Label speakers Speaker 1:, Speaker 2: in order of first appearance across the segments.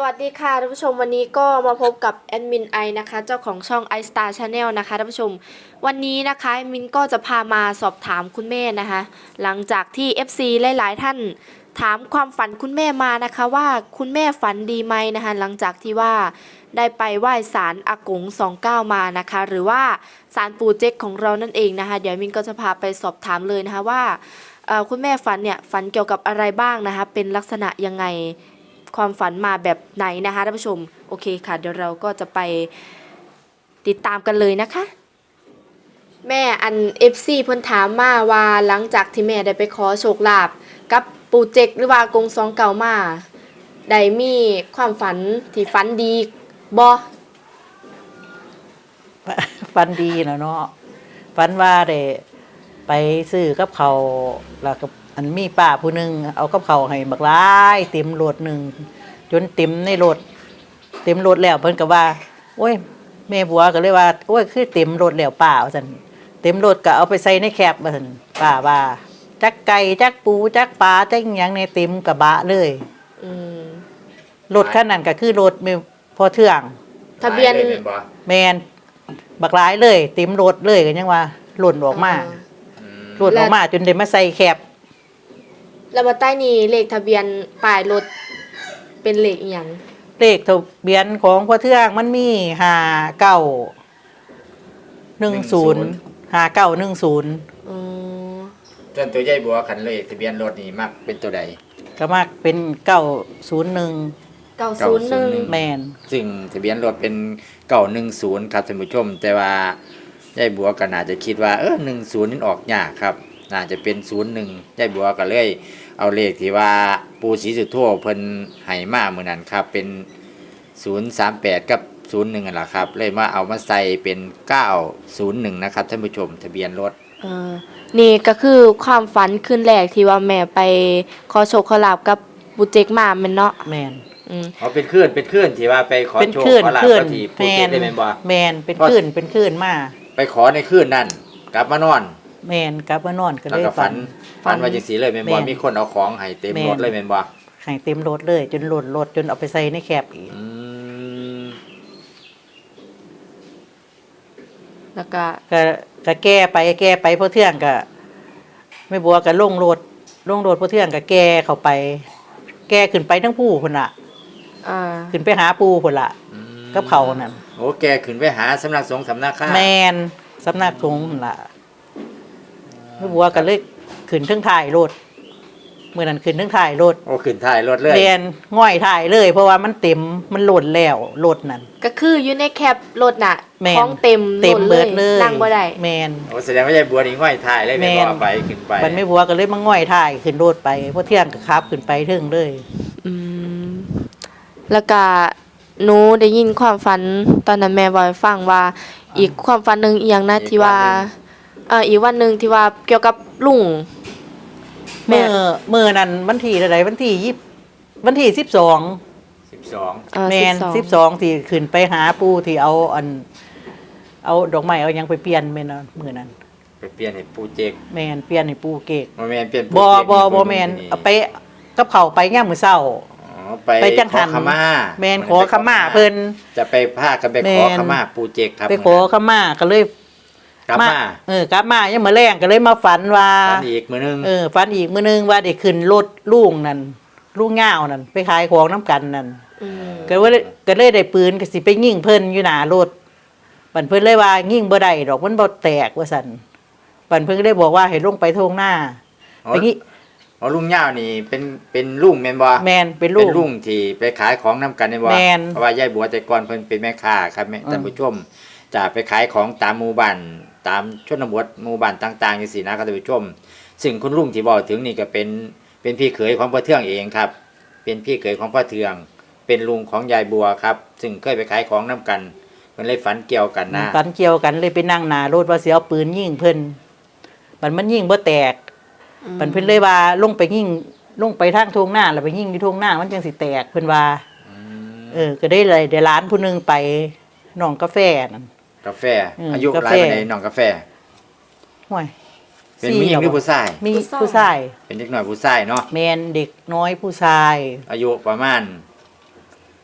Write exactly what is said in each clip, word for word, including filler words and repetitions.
Speaker 1: วัสดีค่ะท่านผู้ชมวันนี้ก็มาพบกับแอดมินไอนะคะเจ้าของช่อง iStar Channel นะคะท่านผู้ชมวันนี้นะคะแอดมินก็จะพามาสอบถามคุณแม่นะคะหลังจากที่ เอฟ ซี หลายๆท่านถามความฝันคุณแม่มานะคะว่าคุณแม่ฝันดีไหมนะคะหลังจากที่ว่าได้ไปไหว้ศาลอากงสองเก้ามานะคะหรือว่าศาลปู่เจ๊กของเรานั่นเองนะคะเดี๋ยวมินก็จะพาไปสอบถามเลยนะคะว่าคุณแม่ฝันเนี่ยฝันเกี่ยวกับอะไรบ้างนะคะเป็นลักษณะยังไงความฝันมาแบบไหนนะคะท่านผู้ชมโอเคค่ะเดี๋ยวเราก็จะไปติดตามกันเลยนะคะแม่อัน เอฟ ซี เพิ่นถามมาว่าหลังจากที่แม่ได้ไปขอโชคลาภกับปู่เจกหรือว่ากงสองเก่ามาได้มีความฝันที่ฝันดีบ่
Speaker 2: ฝันดีนะเนาะฝันว่าได้ไปซื้อกับเขาแล้วก็อันมีป้าผู้หนึ่งเอากับเขาให้บักหลายเต็มรถหนึ่งจนเต็มในรถเต็มรถแล้วเพิ่นก็ว่าโอ้ยแม่บัวก็เลยว่าโอ้ยคือเต็มรถแล้วป้าว่าซั่นเต็มรถก็เอาไปใส่ในแคปว่าซั่นป้าว่าจักไก่จักปูจักปลาจักหยังในเต็มกระบะเลย
Speaker 1: อืม
Speaker 2: รถคันนั้นก็คือรถแม่พอเทื่อง
Speaker 1: ทะเบียน
Speaker 2: แม่นบักหลายเลยเต็มรถเลยก็ยังว่าหล่นออกมาหล่นออกมาจนได้มาใส่แคป
Speaker 1: แล้วมาใต้นี้เลขทะเบียนป้ายรถเป็นเลขอีหยัง
Speaker 2: เลขทะเบียนของพ่อเทืองมันมีห้าเก้าหนึ่งศูนย์ห้าเก้าหนึ่งศูนย์
Speaker 1: อ๋อ
Speaker 3: จนตัวใหญ่บัวขันเลขทะเบียนรถนี่มักเป็นตัวใด
Speaker 2: ก็มักเป็นเก้าศูนย์หนึ่ง
Speaker 1: เก้าศูนย์หนึ่ง
Speaker 2: แมน
Speaker 3: ซึ่งทะเบียนรถเป็นเก้าหนึ่งศูนย์ครับท่านผู้ชมแต่ว่าใหญ่บัวก็น่าจะคิดว่าเออหนึ่งศูนย์นี่ออกยากครับน่าจะเป็นศูนย์หนึ่งใหญ่บัวก็เลยเอาเลขที่ว่าปูศรีสุโธเพิ่นให้มาเหมือนนั้นครับเป็นศูนย์สามแปดกับศูนย์หนึ่งนั่นแหละครับเลยมาเอามาใส่เป็นเก้าศูนย์หนึ่งนะครับท่านผู้ชมทะเบียนรถ
Speaker 1: เออนี่ก็คือความฝันคืนแรกที่ว่าแม่ไปขอโชคขอลาบกับปู่เจกมาแม่นเนาะ
Speaker 2: แม่น
Speaker 1: อืม
Speaker 3: อ๋อเป็นคลื่นเป็นคลื่นที่ว่าไปขอโชคขอลาบกับที่ปู่เจกได้แม่นบ่
Speaker 2: แม่นเป็นคลื่นเป็นคลื่นมา
Speaker 3: ไปขอในคลื่นนั่นกลับมานอน
Speaker 2: แม่นกลับมานอนก็เลย
Speaker 3: ฝันฝันว่าจังซี่เลยแม่นบ่มีคนเอาของให้เต็มรถเลยแม่นบ่
Speaker 2: ให้เต็มรถเลยจนหล่นรถจนเอาไปใส่ในแคปอีก
Speaker 3: อืม
Speaker 1: แล้วก็
Speaker 2: ก็ก็แก้ไปแก้ไปพ่อเทื่องก็ไม่บัวก็ลงรถลงรถพ่อเทื่องก็แก้เข้าไปแก้ขึ้นไปทั้งผู้พุ่นน่ะ
Speaker 1: อ่า
Speaker 2: ขึ้นไปหาปู่พุ่นล่ะกับเขานั่น
Speaker 3: โอ้แกขึ้นไปหาสำนักสงฆ์สำนักข้า
Speaker 2: แม่นสำนักสงฆ์พุ่นล่ะไม่บัวก็เลยขึ้นทั้งถ่ายรถเมื่อนั้นขึ้นทั้งถ่ายรถ
Speaker 3: โอ้ขึ้นถ่ายรถเลย
Speaker 2: เรียนง่อยถ่ายเลยเพราะว่ามันเต็มมันหล่นแล้วรถนั่น
Speaker 1: ก็คืออยู่ในแคปรถน่ะของเต็ม
Speaker 2: เต็มเบิดเลย
Speaker 1: นั่งบ่ได้
Speaker 2: แม่น
Speaker 3: โอ้แสดงว่าใหญ่บัวนี่ง่อยถ่ายเลยแม่บ่ไปขึ้นไป
Speaker 2: มันไม่บัวก็เลยมาง่อยถ่ายขึ้นรถไปเพราะเที่ยงก็ขับขึ้นไปถึงเลย
Speaker 1: อืมแล้วก็หนูได้ยินความฝันตอนนั้นแม่บอกให้ฟังว่าอีกความฝันนึงอีหยังนะที่ว่าเอ่ออีกวันนึงที่ว่าเกี่ยวกับลุง
Speaker 2: เมื่อเมื่อนั้นวันที่อะไรวันที่ยี่วันที่สิบสอง
Speaker 3: สิบสอง
Speaker 2: แมนสิบสองที่ขึ้นไปหาปู่ที่เอาอันเอาดอกไม้เอายังไปเปลี่ยนแม่นเมื่อนั้น
Speaker 3: ไปเปลี่ยนให้ปู่เจก
Speaker 2: แมนเปลี่ยนให้ปู่เกก
Speaker 3: บ่แม่นเปลี่ยน
Speaker 2: บ่บ่บ่แมนเอาไปกับเขาไปย่ามมื้อเช้า
Speaker 3: ไปจังหันขม่า
Speaker 2: แมนขอขม่าเพิ่น
Speaker 3: จะไปพากันไปขอขม่าปู่เจกครับ
Speaker 2: ไปขอขม่าก็เลย
Speaker 3: กลับมา
Speaker 2: เออกลับมายังมื้อแรงก็เลยมาฝันว่า
Speaker 3: ฝันอีกมื้อนึง
Speaker 2: เออฝันอีกมื้อนึงว่าได้ขึ้นรถลุงนั่นลุงง่าวนั่นไปขายของน้ำกันนั่นก็ว่าก็เลยได้ปืนก็สิไปยิงเพิ่นอยู่หน้ารถบัดเพิ่นเลยว่ายิงบ่ได้ดอกมันบ่แตกว่าซั่นบัดเพิ่นก็ได้บอกว่าให้ลงไปทงหน้าไปงี้
Speaker 3: อ๋อลุงย่าวนี่เป็นเป็นลุงแม่นบ่
Speaker 2: แม่นเป็นลุง
Speaker 3: เป็นลุงที่ไปขายของนำกันนี่บ่เพราะว่ายายบัวแต่ก่อนเพิ่นเป็นแม่ค้าครับท่านผู้ชมจะไปขายของตามหมู่บ้านตามชนบทหมู่บ้านต่างๆจังซี่นะครับท่านผู้ชมซึ่งคุณลุงที่บอกถึงนี่ก็เป็นเป็นพี่เขยของพ่อเทืองเองครับเป็นพี่เขยของพ่อเทืองเป็นลุงของยายบัวครับซึ่งเคยไปขายของนำกันเพิ่นเลยฝันเกี่ยวกันนะ
Speaker 2: ฝันเกี่ยวกันเลยไปนั่งหน้ารถว่าสิเอาปืนยิงเพิ่นบัดมันยิงบ่แตกบัดเพิ่นเลยว่าลงไปยิงลงไปทางทุ่งนาแล้วไปยิงอยู่ทุ่งนามันจังสิแตกเพิ่นว่าเออก็ได้เลยได้ร้านผู้นึงไปน้องกาแฟนั่น
Speaker 3: กาแฟอายุหลายปานใดน้องกาแฟ
Speaker 2: ห่วย
Speaker 3: เป็นผู้หญิงหรือผู้ชาย
Speaker 2: มีผู้ชาย
Speaker 3: เป็นเด็กน้อยผู้ชายเนาะ
Speaker 2: แม่นเด็กน้อยผู้ชาย
Speaker 3: อายุประมาณ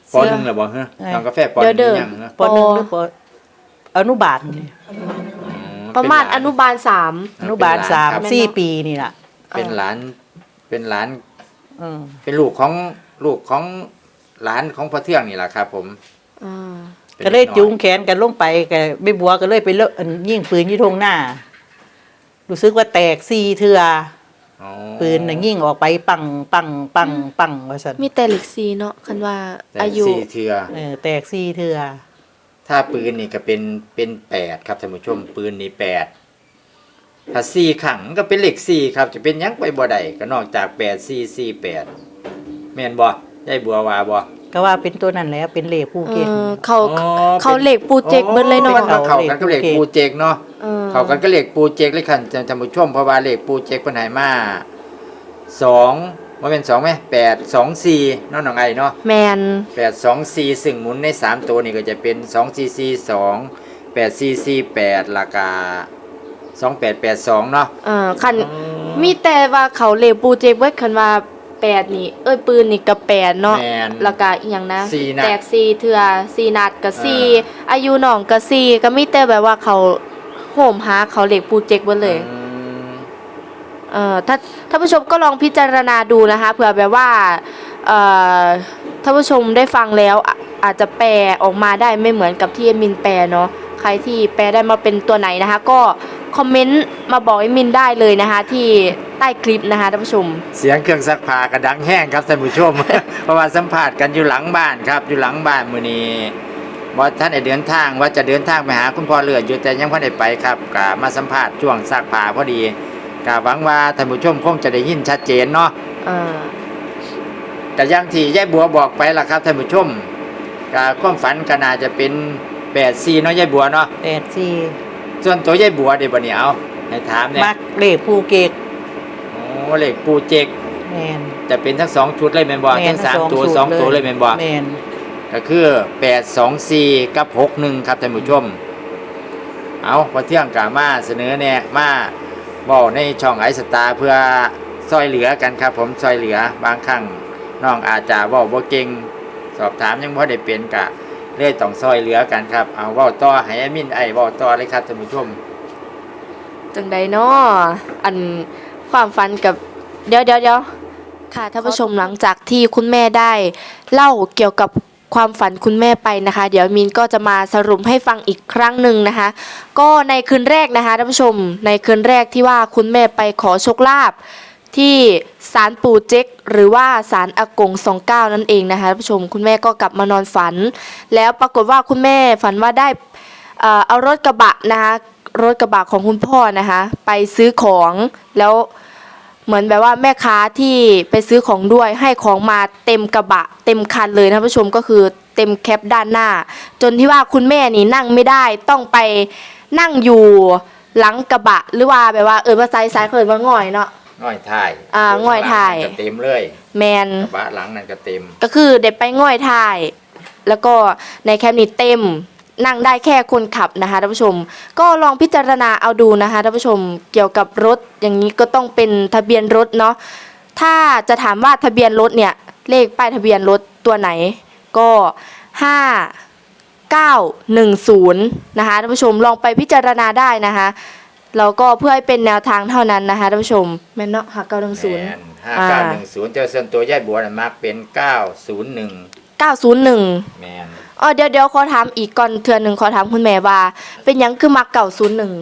Speaker 3: ปหนึ่งแล้วบ่ฮะน้องกาแฟปห
Speaker 1: เดี๋
Speaker 3: นึ่
Speaker 1: ยว
Speaker 3: ง
Speaker 1: เด้อ
Speaker 3: ยังฮะ
Speaker 2: ปหนึ่งหรือปอนุบาลนี่
Speaker 1: ประมาณอนุบาลสาม
Speaker 2: อนุบาลสาม
Speaker 1: ครับ
Speaker 2: สี่ปีนี่ล่ะ
Speaker 3: เป็นหลานเป็นหลาน
Speaker 2: อืม
Speaker 3: เป็นลูกของลูกของหลานของพ่อเทืองนี่แหละครับ ผม
Speaker 1: อ่า
Speaker 3: ป็น
Speaker 2: ก็เลย
Speaker 3: ด็น้อ
Speaker 2: จูงแขนกันลงไปกับแม่บัวก็เลยไปเลอะอันยิงปืนอยู่ทงหน้า รู้สึกว่าแตกสี่เทือ
Speaker 3: อ๋อ
Speaker 2: ปืนน่ะยิงออกไปปังปังปังปังว่าซั่น
Speaker 1: มีแต่เหล็กซีเนาะคันว่า
Speaker 3: แต่
Speaker 1: อายุ
Speaker 3: สี่เทือ
Speaker 2: เออแตกสี่เทือ
Speaker 3: ถ้าปืนนี่ก็เป็นเป็นแปดครับท่านผู้ชมปืนนี่แปดถ้าสี่ขังก็เป็นเลขสี่ครับ จะเป็นหยังไปบ่ได้ก็นอกจากแปดสี่สี่แปดแม่นบ่ยายบัวว่าบ่
Speaker 2: ก็ว่าเป็นตัวนั้นแหล้วเป็นเหล็กภู
Speaker 1: เอ
Speaker 2: เก็ต
Speaker 1: อเขา
Speaker 3: อ๋อ
Speaker 1: เขา
Speaker 3: เป็น
Speaker 1: เหล็กปูเจกเบิดเลยเนาะ
Speaker 3: โอ้มันเข้ากันก็เลขปูเจกเนาะ
Speaker 1: เออ
Speaker 3: เข้ากันก็เลขปูเจกเลยคันท่านผู้ชมเพราะว่าเลขปูเจกเพิ่นให้มาสองบ่แม่นสองไหมแปดสองสี่เนาะน้องไอเนาะ
Speaker 1: แมน
Speaker 3: แปดสองสี่ซึ่งหมุนในสามตัวนี่ก็จะเป็นสองสี่สี่สองแปดสี่สี่แปดราคาสองแปดแปดสองเนาะ
Speaker 1: เออคันมีแต่ว่าเขาเหล็กปูเจกเบิดคันว่าแปดนี่เอ้ยปืนนี่ก็แปดเนาะ
Speaker 3: แมน
Speaker 1: แล้วก็อีหยังนะ
Speaker 3: สี่นัด
Speaker 1: แตกสี่เทื่อสี่นัดก็สี่
Speaker 3: เอ
Speaker 1: อายุน้องก็สี่ก็มีแต่แบบว่าเขาโหมหาเขาเหล็กปูเจกเบิดเลย
Speaker 3: อืม
Speaker 1: เอ่อถ้าท่านผู้ชมก็ลองพิจารณาดูนะคะเผื่อแบบว่าเอ่อท่านผู้ชมได้ฟังแล้วอ่ะอาจจะแปลออกมาได้ไม่เหมือนกับที่เอมินแปลเนาะใครที่แปลได้มาเป็นตัวไหนนะคะ ก็คอมเมนต์มาบอกเอมินได้เลยนะคะ ที่ใต้คลิปนะคะท่านผู้ชม
Speaker 3: เสียงเครื่องซักผ้ากระดังแห้งครับท่านผู้ชม เพราะว่าสัมภาษณ์กันอยู่หลังบ้านครับ อยู่หลังบ้านมื้อนี้ว่าท่านได้เดินทางว่าจะเดินทางไปหาคุณพ่อเลือดอยู่แต่ยังบ่ได้ไปครับก็มาสัมภาษณ์ช่วงซักผ้าพอดีก็หวังว่าท่านผู้ชมคงจะได้ยินชัดเจนเนาะ
Speaker 1: เออ
Speaker 3: ก็อย่างที่ยายบัวบอกไปล่ะครับท่านผู้ชมก็ความฝันก็น่าจะเป็นแปดสี่เนาะยายบัวเนาะ
Speaker 2: แปดสี่
Speaker 3: ส่วนตัวยายบัวเดี๋ยวบัดนี้เอาให้ถามเนี่ย
Speaker 2: มักเหล็กภูเก็ต
Speaker 3: โอ้เลขปูเจก
Speaker 2: แมน
Speaker 3: จะเป็นทั้งสองชุดเลยแม่นบ่
Speaker 2: แม่
Speaker 3: ทั้
Speaker 2: น
Speaker 3: งสาม
Speaker 2: ทั้งสอง
Speaker 3: ตัว
Speaker 2: ชุด
Speaker 3: สองตัว
Speaker 2: เลย
Speaker 3: เลยแม่นบ่
Speaker 2: แมน
Speaker 3: ก็คือแปดสองสี่กับหกหนึ่งครับท่านผู้ชม เอาพอเที่ยงกามาเสนอแนะมาบอกในช่องไอสตาร์เพื่อซอยเหลือกันครับ ผมซอยเหลือบางครั้งน้องอาจจะเว่าบ่เก่งสอบถามยังบ่ได้เป็นกะเลยต้องซอยเหลือกันครับเอาเว้าต่อให้แอดมินไอเว้าต่อเลยครับท่านผู้ชม
Speaker 1: จังใดเนาะอันความฝันกับเดี๋ยวเดี๋ยวเดี๋ยวค่ะท่านผู้ชมหลังจากที่คุณแม่ได้เล่าเกี่ยวกับความฝันคุณแม่ไปนะคะ เดี๋ยวมินก็จะมาสรุปให้ฟังอีกครั้งหนึ่งนะคะ ก็ในคืนแรกนะคะท่านผู้ชมในคืนแรกที่ว่าคุณแม่ไปขอโชคลาภที่ศาลปู่เจ๊กหรือว่าศาลอากงสองเก้านั่นเองนะคะท่านผู้ชมคุณแม่ก็กลับมานอนฝัน แล้วปรากฏว่าคุณแม่ฝันว่าได้เอ่อเอารถกระบะนะคะรถกระบะของคุณพ่อนะคะไปซื้อของแล้วเหมือนแบบว่าแม่ค้าที่ไปซื้อของด้วยให้ของมาเต็มกระบะเต็มคันเลยนะท่านผู้ชมก็คือเต็มแคปด้านหน้า จนที่ว่าคุณแม่นี่นั่งไม่ได้ต้องไปนั่งอยู่หลังกระบะหรือว่าแบบว่าเออภาษาอีสานเขาเรียกว่าง่อยเนาะ
Speaker 3: ง่อยถ่าย
Speaker 1: อ่าง่อยถ่าย
Speaker 3: กระเต็มเลย
Speaker 1: แมน
Speaker 3: กระบะหลังนั่นก็เต็ม
Speaker 1: ก็คือเด็กไปง่อยถ่าย แล้วก็ในแคปนี้เต็มนั่งได้แค่คนขับนะคะท่านผู้ชม ก็ลองพิจารณาเอาดูนะคะท่านผู้ชมเกี่ยวกับรถอย่างนี้ก็ต้องเป็นทะเบียนรถเนาะถ้าจะถามว่าทะเบียนรถเนี่ยเลขป้ายทะเบียนรถตัวไหนก็ห้าเก้าหนึ่งศูนย์นะคะท่านผู้ชมลองไปพิจารณาได้นะคะแล้วก็เพื่อให้เป็นแนวทางเท่านั้นนะคะท่านผู้ชมแม่นเนาะห้าเก้าหนึ่งศูนย์
Speaker 3: ห้าเก้าหนึ่งศูนย์เจอส่วนตัวยายบัวน่ะมักเป็นเก้าศูนย์หนึ่ง
Speaker 1: เก้าศูนย์หนึ่ง
Speaker 3: แมน
Speaker 1: อ๋อเดี๋ยวเดี๋ยวขอถามอีกก่อนเทือนหนึ่งขอถามคุณแม่ว่า เป็นหยังคือมักเก่าศูนย์หนึ่ง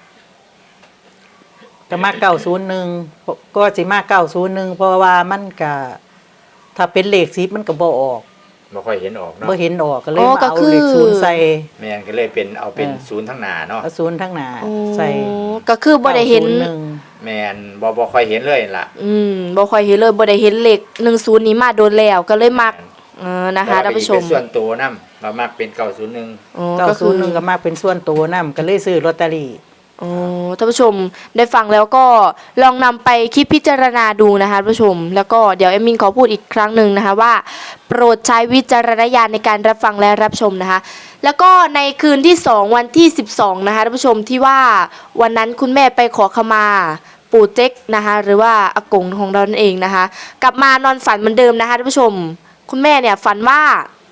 Speaker 2: ก็มาเก้าศูนย์หนึ่งก็สิมาเก้าศูนย์หนึ่งเพราะว่ามันก็ถ้าเป็นเหล็กซิปมันก็บ่ออก
Speaker 3: ไม่ค่อยเห็นออกเนาะ
Speaker 2: บ่เห็นออกก็เลยมาเอาเหล็กศูนย์ใส่
Speaker 3: แมนก็เลยเป็นเอาเป็น
Speaker 2: เออ
Speaker 3: ศูนย์ทั้งหนาเนาะ
Speaker 2: เอาศูนย์ทั้งหน้า
Speaker 1: โอ้
Speaker 2: ใส่
Speaker 1: ก็คือบ่ได้เห็น
Speaker 2: ก้าศูย์หนึ่ง
Speaker 3: แมนบ่บ่ค่อยเห็นเลยล่ะ
Speaker 1: อืมบ่ค่อยเห็นเลยบ่ได้เห็นเลขหนึ่งศูนย์นี้มาโดนแล้วก็เลยมักเออนะคะท่านผู้ชม
Speaker 3: เป็นส่วนตัวนำมามักเป็นเก้าศูนย์หนึ่ง
Speaker 1: อ๋อ
Speaker 2: เก้า
Speaker 1: ก็
Speaker 2: ศู
Speaker 1: คื
Speaker 2: นย์หนึ่ง
Speaker 1: อ
Speaker 2: ก็มาเป็นส่วนตัวนํก็เลยซื้อลอตเตอรี่
Speaker 1: อ๋อท่านผู้ชมได้ฟังแล้วก็ลองนำไปคิดพิจารณาดูนะคะท่านผู้ชม แล้วก็เดี๋ยวเอมมินขอพูดอีกครั้งหนึ่งนะคะว่า โปรดใช้วิจารณญาณในการรับฟังและรับชมนะคะ แล้วก็ในคืนที่สองวันที่สิบสองนะคะท่านผู้ชมที่ว่าวันนั้นคุณแม่ไปขอขมาปู่เจ๊กนะคะหรือว่าอากงของเรานั่นเองนะคะ กลับมานอนฝันเหมือนเดิมนะคะท่านผู้ชม คุณแม่เนี่ยฝันว่า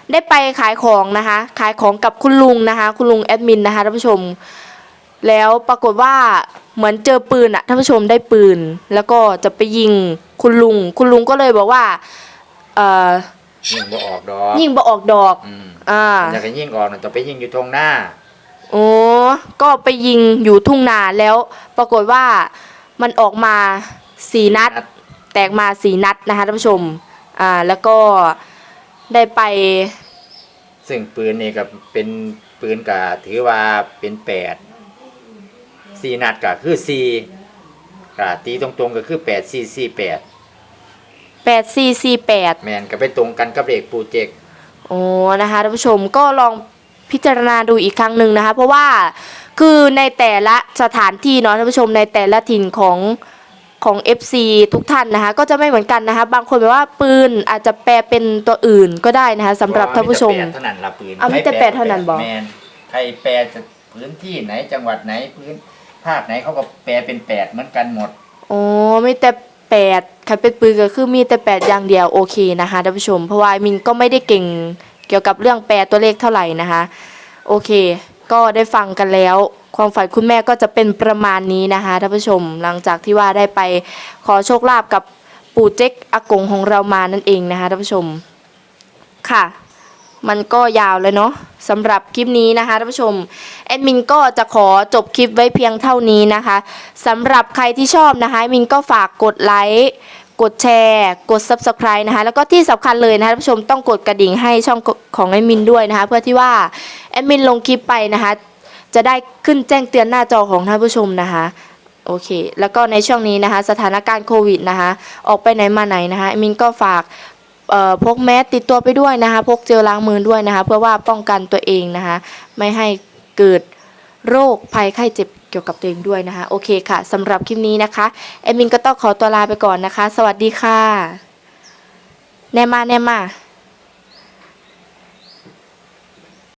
Speaker 1: ได้ไปขายของนะคะ ขายของกับคุณลุงนะคะ คุณลุงแอดมินนะคะท่านผู้ชม แล้วปรากฏว่าเหมือนเจอปืนอะท่านผู้ชมได้ปืน แล้วก็จะไปยิงคุณลุง คุณลุงก็เลยบอกว่าเอ่อ
Speaker 3: ยิงบ่ออกดอก
Speaker 1: ยิงบ่ออกดอก
Speaker 3: อืม
Speaker 1: อ่า
Speaker 3: อยากให้ยิงออกน่ะต้องไปยิงอยู่ตรงหน้า
Speaker 1: โอ้ก็ไปยิงอยู่ทุ่งนาแล้ว ปรากฏว่ามันออกมาสี่นัด แตกมาสี่นัดนะคะท่านผู้ชม อ่า แล้วก็ได้ไป
Speaker 3: ซึ่งปืนนี่ก็เป็นปืนก็ถือว่าเป็นแปดสี่นัดก็คือสี่ก็ตีตรงๆก็คือแปดสี่สี่แปด
Speaker 1: แปด สี่ สี่ แปด
Speaker 3: แมนก็ไปตรงกันกับเลขโปรเจกต์
Speaker 1: โอ้นะคะท่านผู้ชมก็ลองพิจารณาดูอีกครั้งหนึ่งนะคะ เพราะว่าคือในแต่ละสถานที่เนาะท่านผู้ชมในแต่ละถิ่นของของ เอฟ ซี ทุกท่านนะคะก็จะไม่เหมือนกันนะคะบางคนแบบว่าปืนอาจจะแปลเป็นตัวอื่นก็ได้นะคะสำหรับท่านผู้ชม
Speaker 3: แปดเท่านั้นละปืน
Speaker 1: เอามีแต่แปดเท่านั้นบ่
Speaker 3: แมนใครแปลจะพื้นที่ไหนจังหวัดไหนพื้นภาคไหนเขาก็แปลเป็นแปดเหมือนกันหมด
Speaker 1: อ๋อมีแต่แปดใครเป็นปืนก็คือมีแต่แปดอย่างเดียวโอเคนะคะท่านผู้ชมเพราะว่ามินก็ไม่ได้เก่งเกี่ยวกับเรื่องแปลตัวเลขเท่าไหร่นะคะโอเค ก็ได้ฟังกันแล้ว ความฝันคุณแม่ก็จะเป็นประมาณนี้นะคะท่านผู้ชมหลังจากที่ว่าได้ไปขอโชคลาภกับปู่เจ๊กอากงของเรามานั่นเองนะคะท่านผู้ชมค่ะ มันก็ยาวเลยเนาะสำหรับคลิปนี้นะคะท่านผู้ชมแอดมินก็จะขอจบคลิปไว้เพียงเท่านี้นะคะสำหรับใครที่ชอบนะคะแอดมินก็ฝากกดไลค์กดแชร์กด ซับสไครบ์ นะคะแล้วก็ที่สำคัญเลยนะคะท่านผู้ชมต้องกดกระดิ่งให้ช่องของแอดมินด้วยนะคะเพื่อที่ว่าแอดมินลงคลิปไปนะคะจะได้ขึ้นแจ้งเตือนหน้าจอของท่านผู้ชมนะคะโอเคแล้วก็ในช่วงนี้นะคะสถานการณ์โควิดนะคะออกไปไหนมาไหนนะคะแอดมินก็ฝากเอ่อพกแมสติดตัวไปด้วยนะคะพกเจลล้างมือด้วยนะคะเพื่อว่าป้องกันตัวเองนะคะไม่ให้เกิดโรคภัยไข้เจ็บเกี่ยวกับตัวเองด้วยนะคะโอเคค่ะสำหรับคลิปนี้นะคะแอดมินก็ต้องขอตัวลาไปก่อนนะคะสวัสดีค่ะแนมาแนมา